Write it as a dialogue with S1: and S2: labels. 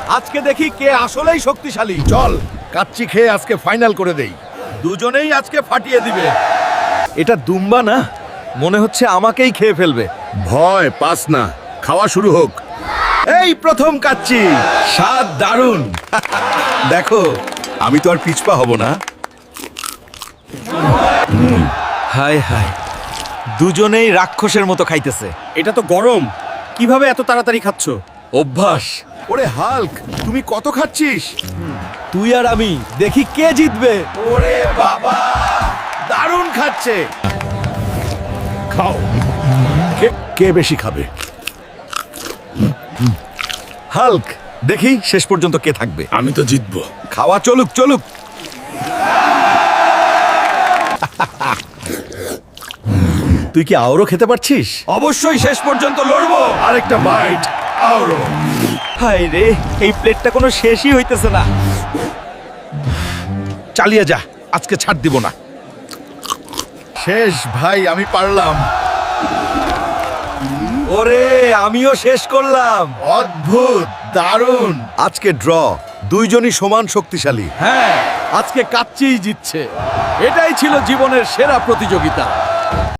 S1: আজকে দেখি কে আসলেই শক্তিশালী।
S2: চল কাচ্চি খেয়ে আজকে ফাইনাল করে দেই।
S1: দুজনেই আজকে ফাটিয়ে দিবে। এটা দুম্বা না, মনে হচ্ছে আমাকেই খেয়ে ফেলবে।
S2: ভয় পাস না, খাওয়া শুরু হোক।
S1: এই প্রথম কাচ্চি, স্বাদ দারুণ। দেখো, আমি তো আর পিছপা হব না। হায় হায়, দুজনেই রাক্ষসের মতো খাইতেছে।
S3: এটা তো গরম, কিভাবে এত তাড়াতাড়ি খাচ্ছ?
S1: অভ্যাস।
S2: ওরে হাল্ক, তুমি কত খাচ্ছিস?
S1: তুই আর আমি, দেখি কে জিতবে।
S2: ওরে বাবা, দারুণ খাচ্ছে। খাও। কে বেশি খাবে?
S1: হাল্ক, দেখি শেষ পর্যন্ত কে থাকবে।
S2: আমি তো জিতবো।
S1: খাওয়া চলুক চলুক। তুই কি আরো খেতে পারছিস? অবশ্যই শেষ পর্যন্ত লড়বো।
S2: আরেকটা বাইট। আরো।
S1: হায় রে, এই প্লেটটা কোনো শেষই হইতেছে না।
S2: চালিয়ে যা, আজকে ছাড় দিব না। শেষ ভাই, আমি পারলাম।
S1: ওরে, আমিও শেষ করলাম।
S2: অদ্ভুত, দারুণ।
S1: আজকে ড্র, দুইজনই সমান শক্তিশালী।
S3: হ্যাঁ, আজকে কাচ্চিই জিতছে। এটাই ছিল জীবনের সেরা প্রতিযোগিতা।